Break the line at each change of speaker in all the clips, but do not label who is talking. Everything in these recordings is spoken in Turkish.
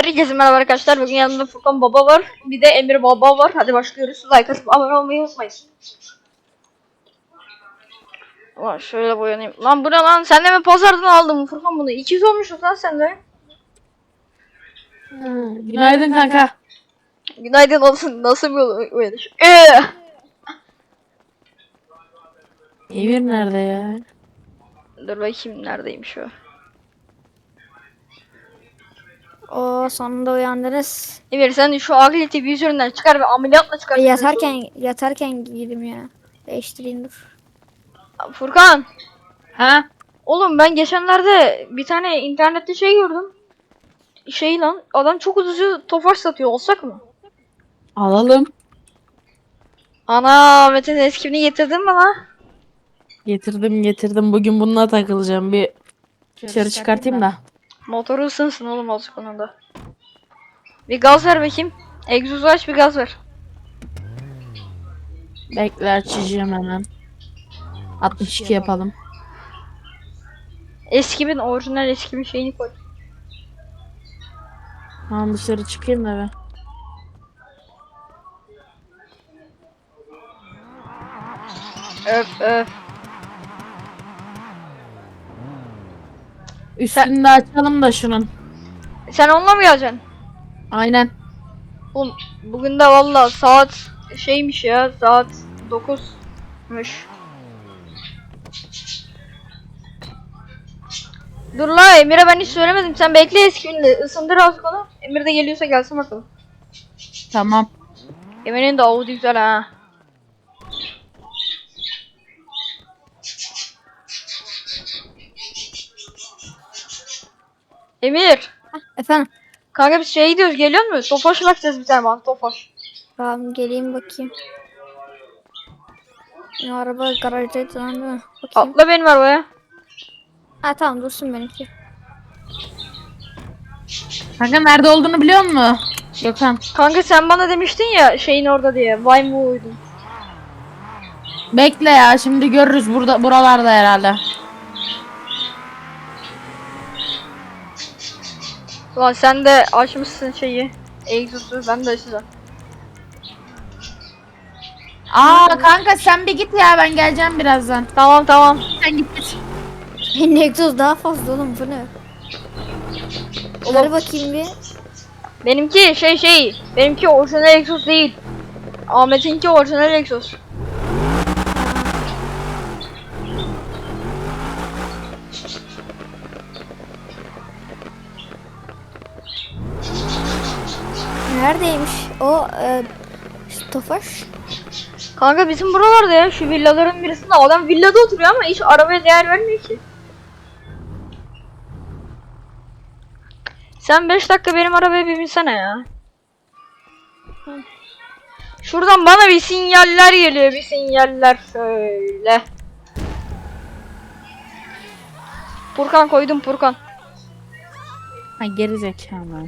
Herkese merhaba arkadaşlar. Bugün yanımda Furkan Baba var. Bir de Emir Baba var. Hadi başlıyoruz. Like atıp abone olmayı unutmayın. Ulan şöyle boyanayım. Lan bu ne lan? Sen de mi pazardan aldın Furkan bunu? 200 olmuş lan sende.
Günaydın kanka.
Günaydın olsun. Nasıl bir uyanış?
Emir nerede ya?
Dur bakayım neredeymiş o.
O sonunda uyandınız.
Emir sen şu Agili TV üzerinden çıkar ve ameliyatla çıkar.
Yatarken giydim ya. Değiştireyim dur.
Furkan.
Ha?
Oğlum ben geçenlerde bir tane internette şey gördüm. Şey lan adam çok ucuz Tofaş satıyor, olsak mı?
Alalım.
Ana Metin eskini getirdin mi lan?
Getirdim. Bugün bununla takılacağım. Bir dışarı çıkartayım da.
Motoru ısınsın oğlum azıcık onun da. Bir gaz ver bakayım. Egzozu aç, bir gaz ver.
Bekle açacağım hemen. 62 yapalım.
Eskimin orijinal eskimin şeyini koy.
Tamam dışarı çıkayım da be.
Öf öf.
Üstünü de açalım da şunun.
Sen onunla mı geleceksin?
Aynen.
Oğlum bugün de valla saat şeymiş ya, saat 9'muş. Dur la, Emir'e ben hiç söylemedim. Sen bekle, eskiminle ısındır azıcık onu. Emir de geliyorsa gelsin bakalım.
Tamam.
Emir'in de avudu güzel ha. Emir.
Efendim.
Kanka biz şeye gidiyoruz, geliyor musun? Tofaş'a bakacağız bir tane bana, Tofaş.
Tamam geleyim bakayım. Ya, araba garajdaydı lan değil mi? Bakayım.
Atla benim arabaya.
Ha tamam dursun benimki.
Kanka nerede olduğunu biliyor musun? Gökhan.
Kanka sen bana demiştin ya şeyin orada diye. Vay mı uydun?
Bekle ya şimdi görürüz buralarda herhalde.
Ulan sen de açmışsın şeyi. Egzosu, ben de açacağım.
Aa kanka sen bir git ya ben geleceğim birazdan.
Tamam tamam.
Sen git.
Benim egzoz daha fazla oğlum bu ne? Ver bakayım bir.
Benimki benimki orijinal egzoz değil. Ahmet'inki orijinal egzoz.
Neredeymiş o Tofaş?
Kanka bizim buralarda ya, şu villaların birisinde adam villada oturuyor ama hiç arabaya değer vermiyor ki. Sen 5 dakika benim arabaya bir binsene ya. Şuradan bana bir sinyaller geliyor, bir sinyaller şöyle. Furkan koydum, Furkan.
Ha geri zekalı.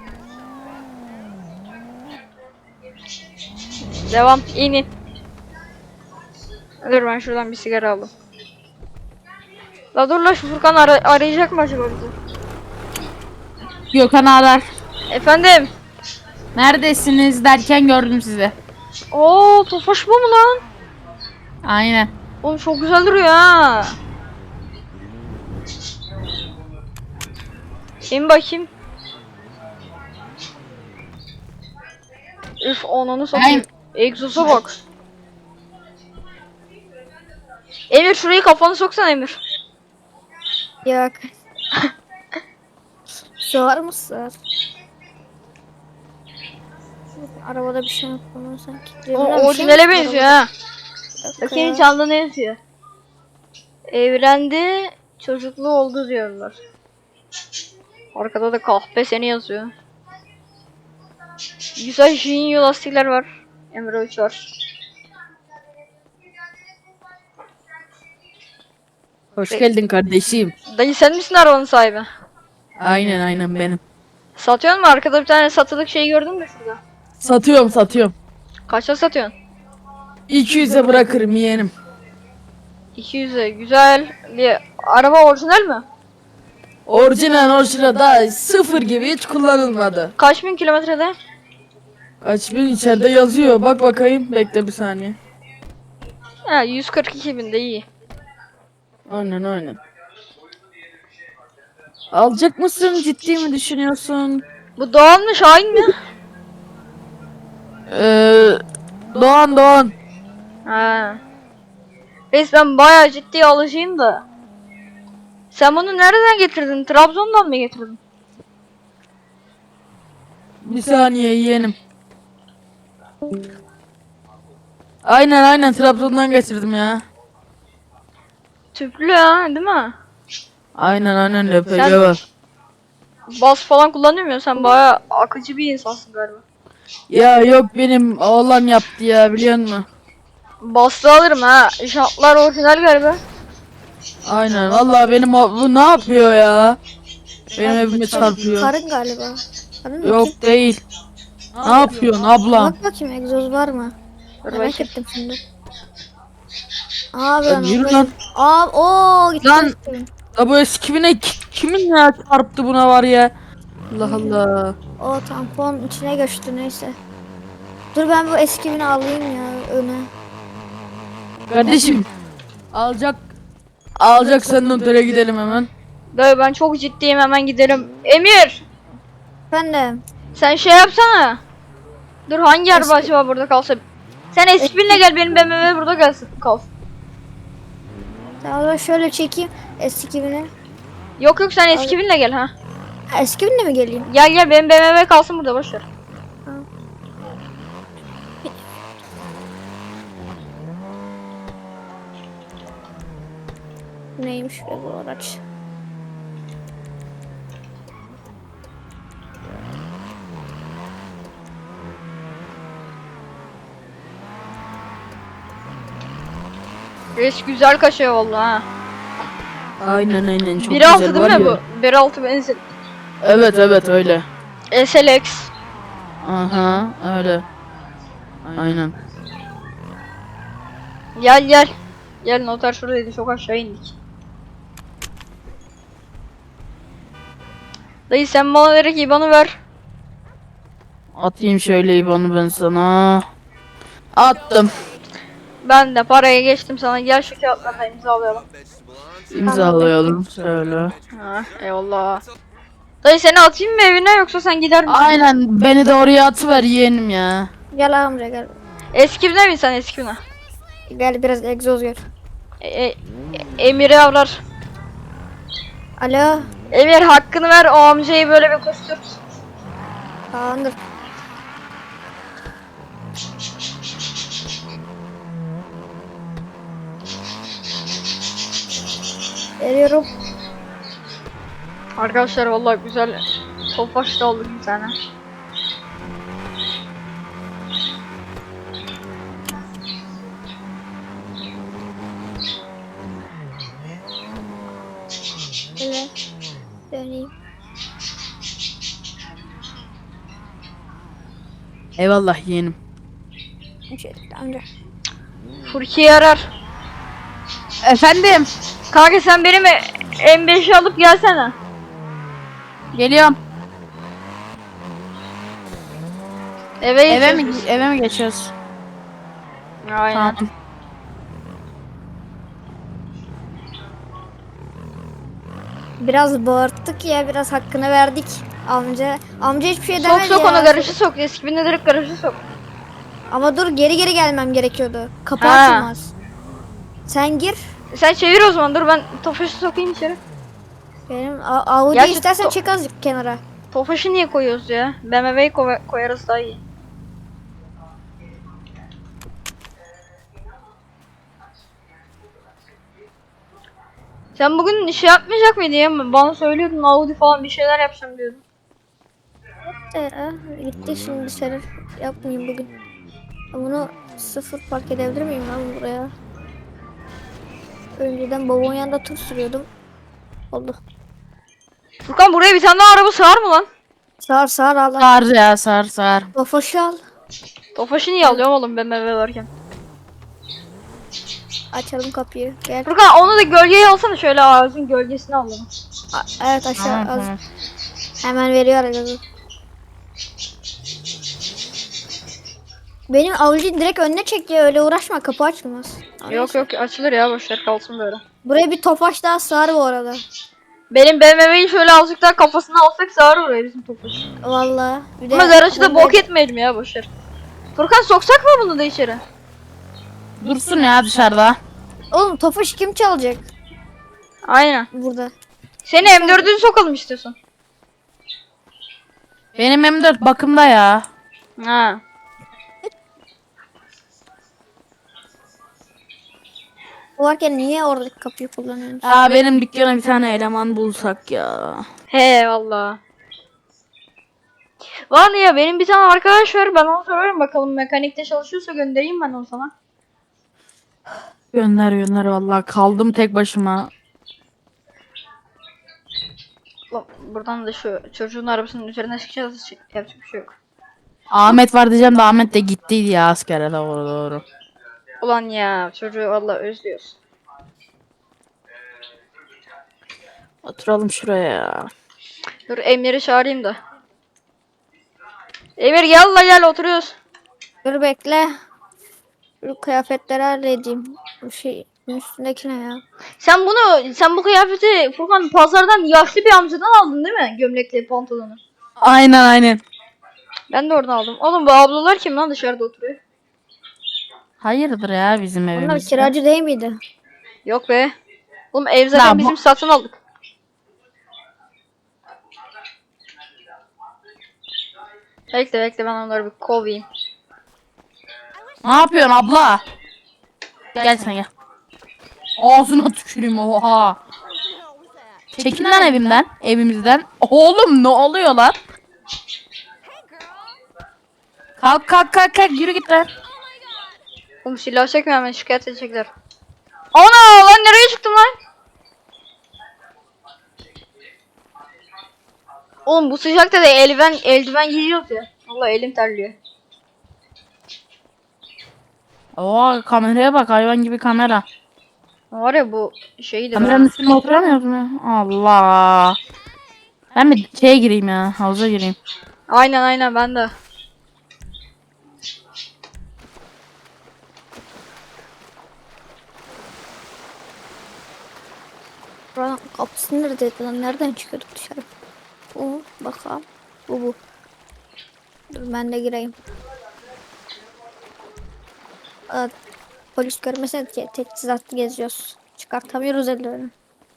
Devam, in. Dur ben şuradan bir sigara aldım. La dur la, şu Furkan arayacak mı acaba bizi?
Gökhan arar.
Efendim?
Neredesiniz derken gördüm sizi.
Oo, Tofaş bu mu lan?
Aynen.
Oğlum çok güzel duruyor ha. İn bakayım. Üf, ananı satayım. Egzoza bak. Emir şurayı kafanı soksana Emir.
Yok. Sığar mı sığar? Arabada bir şey yok bunun sanki.
O
Cebimden bir şey
orijinale
mi
benziyor
arabada?
ha. Bakayım çaldı ne yazıyor. Evlendi, çocuklu oldu diyorlar. Arkada da kahpe seni yazıyor. Güzel Jinyo lastikler var. Emre 3 var.
Hoş geldin kardeşim.
Dayı sen misin arabanın sahibi?
Aynen benim.
Satıyor mu? Arkada bir tane satılık şey gördün mü şurada?
Satıyorum.
Kaça satıyorsun?
200'e bırakırım yeğenim.
200'e güzel bir araba, orijinal mi?
Orijinal daha sıfır gibi hiç kullanılmadı.
Kaç bin kilometrede?
Kaç bin içeride yazıyor. Bak bakayım. Bekle bir saniye.
Ha 142 bin de iyi.
Aynen. Alacak mısın? Ciddi mi düşünüyorsun?
Bu Doğan mı Şahin mi?
Doğan.
Ha. Reis ben bayağı ciddi alışayım da. Sen bunu nereden getirdin? Trabzon'dan mı getirdin?
Bir saniye yeğenim. Aynen Trabzon'dan getirdim ya.
Tüplü ha değil mi?
Aynen LPG
Sen-
var.
Bas falan kullanıyor musun? Sen bayağı akıcı bir insansın galiba.
Ya yok benim oğlan yaptı ya biliyor musun?
Bastı alırım ha. Jantlar orijinal galiba.
Aynen vallahi benim bu ne yapıyor ya? Benim evime çarpıyor.
Karın galiba. Karın mı?
Yok değil. Ne yapıyorsun ablam?
Bak bakayım egzoz var mı?
Dur
Merak
bakayım.
ettim şimdi. Abi
Ya yürü lan.
Abi o gitti.
Lan. Ya bu eski kimin ya çarptı buna var ya? Allah Allah.
O tampon içine göçtü neyse. Dur ben bu eski bini alayım ya öne.
Kardeşim alacaksan notere gidelim hemen.
Dayı ben çok ciddiyim hemen gidelim. Emir!
Efendim.
Sen şey yapsana. Dur hangi araba acaba burada kalsa? Sen S2000'le gel benim BMW burada gelsin kalsın.
Tamam şöyle çekeyim eski bini.
Yok sen S2000'le gel ha.
Ha, eski binle mi geleyim?
Gel benim BMW kalsın burada boş ver.
Neymiş be bu araç?
Reis güzel kaşıyor vallahi ha.
Aynen çok
1.6
güzel
değil
var
mi
ya.
bu? 1.6 benzin.
Evet öyle.
SLX.
Aha öyle. Aynen.
Gel. Gel noter şuradaydı çok aşağı indik. Dayı sen bana direkt IBAN'ı ver.
Atayım şöyle IBAN'ı ben sana. Attım.
Ben de paraya geçtim sana. Gel şu kağıtlarla imzalayalım.
İmzalayalım şöyle.
Ha, eyvallah. Dayı seni atayım mı evine yoksa sen gider misin?
Aynen beni de oraya atıver yeğenim ya.
Gel amca gel.
Eskimine bin sen eskimine.
Gel biraz egzoz gör.
Emir'i avlar.
Alo.
Emir hakkını ver o amcayı böyle bir kustur.
Tamamdır. Veriyorum.
Arkadaşlar vallahi güzel topaç da aldık bir tane.
Şöyle döneyim.
Eyvallah yeğenim.
Şöyle amca.
Furki'yi arar.
Efendim.
Kanka sen benim M5'i alıp gelsene.
Geliyorum.
Eve
Eve mi geçiyoruz?
Aynen.
Tamam.
Biraz bağırttık ya biraz hakkını verdik amca. Amca hiçbir şey
Sok
demedi
sok
ya.
onu garajı sok. Eskibine direkt garajı sok.
Ama dur geri gelmem gerekiyordu. Kapı
Ha.
açılmaz. Sen gir.
Sen çevir o zaman dur ben Tofaş'ı sokayım içeri.
Benim Audi
Gerçi
istersen
to-
çık azıcık kenara.
Tofaş'ı niye koyuyoruz ya? BMW'yi koyarız daha iyi. Sen bugün şey yapmayacak mıydın ya? Bana söylüyordun Audi falan bir şeyler yapacağım diyordun.
Gitti şimdi bir şeyler yapmayayım bugün. Bunu sıfır park edebilir miyim lan buraya? Önceden babamın yanında tur sürüyordum. Oldu.
Furkan buraya bir tane daha araba sığar mı lan?
Sağır Allah.
Sar ya sar.
Tofaşı al.
Tofaş'ı niye alıyorum oğlum BMW varken?
Açalım kapıyı. Gel.
Furkan onu da gölgeye alsana şöyle ağacın gölgesine alalım.
Evet aşağı
Tamam,
az.
tamam.
Hemen veriyor gazı. Benim avucu direkt önüne çekiyor, öyle uğraşma, kapı açılmaz.
Yok yok açılır ya, boşver kalsın böyle.
Buraya bir tofaş daha sığar bu arada.
Benim BMW'yi şöyle azıcık daha kafasına alsak sığar oraya bizim Tofaş.
Vallahi. Bir de
Ama Zaraç'ı da
bomba-
bok etmeyelim ya, boşver. Furkan soksak mı bunu da içeri?
Dursun ya dışarıda.
Oğlum tofaş kim çalacak
Aynen.
burada?
Seni M4'ü sokalım istiyorsan.
Benim M4 bakımda ya.
Ha.
Bu varken niye oradaki kapıyı kullanıyorsun?
Aa benim dükkana bir tane eleman bulsak ya.
He valla. Var ya, benim bir tane arkadaş var, ben ona sorarım bakalım, mekanikte çalışıyorsa göndereyim ben onu sana.
Gönder gönder vallahi kaldım tek başıma.
Lan, buradan da şu çocuğun arabasının üzerine çıkacağız, yapacak bir şey yok.
Ahmet var diyeceğim de Ahmet de gittiydi ya askere, doğru.
Ulan ya, çocuğu valla özlüyoruz.
Oturalım şuraya ya.
Dur Emir'i çağırayım da. Emir gel la, gel oturuyoruz.
Dur bekle. Şu kıyafetleri halledeyim. Bu şey, bunun üstündeki ne ya?
Sen bu kıyafeti Furkan pazardan yaşlı bir amcadan aldın değil mi? Gömlekli pantolonu.
Aynen.
Ben de oradan aldım. Oğlum bu ablalar kim lan dışarıda oturuyor?
Hayırdır ya bizim
Onlar
evimizde.
kiracı değil miydi?
Yok be. Oğlum ev zaten
Ya bu-
bizim, satın aldık. Bekle ben onları bir kovayım.
Ne yapıyorsun abla? Gel sen gel. Ağzına tüküreyim, oha. Çekil lan evimden, evimizden. Oğlum ne oluyor lan? Kalk yürü git lan.
Oğlum silah çekme, hemen şikayet edecekler. Ana lan, nereye çıktım lan? Oğlum bu sıcakta da eldiven giyiyoruz ya. Vallahi elim terliyor.
Oha kameraya bak, hayvan gibi kamera.
Var ya bu şeydi
Kameranın üstüne oturamıyoruz mu ya? Allah. Ben bir şeye gireyim ya, havuza gireyim.
Aynen ben de.
Buranın kapısı neredeydi lan? Nereden çıkıyorduk dışarı? Bu bakalım. Bu. Dur ben de gireyim. Aa, polis görmesin ki teçhizatlı geziyoruz. Çıkartamıyoruz ellerini.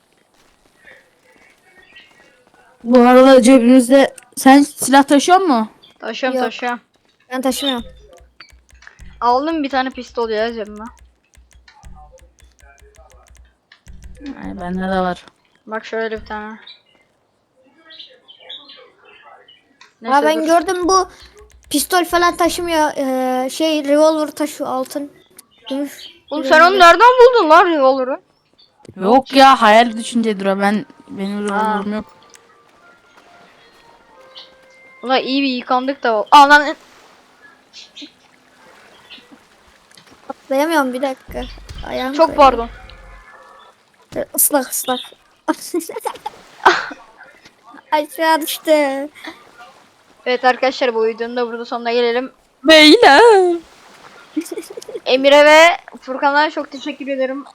Bu arada cebimizde, sen silah taşıyor mu?
Taşıyorum
Yok.
taşıyorum.
Ben taşımıyorum.
Aldım bir tane pistol ya cebime.
Yani bende de var.
Bak şöyle bir tane.
Aa, ben
dur.
gördüm, bu pistol falan taşımıyor. Şey, revolver taşıyor, altın. Gümüş.
Oğlum sen onu nereden buldun lan, revolver'ı?
Yok ya, hayal düşüncedir o, benim revolverim yok.
Ulan iyi bir yıkandık da. Aa lan.
Atlayamıyorum, bir dakika. Ayağım
Çok pardon.
Islak. Aşağı düştü.
Evet arkadaşlar, bu videonun da burada sonuna gelelim.
Beyler.
Emir'e ve Furkan'a çok teşekkür ederim.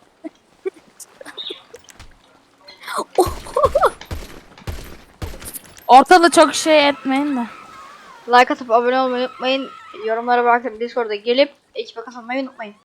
Ortada çok şey etmeyin de.
Like atıp abone olmayı unutmayın. Yorumlara bırakıp Discord'a gelip ekibe katılmayı unutmayın.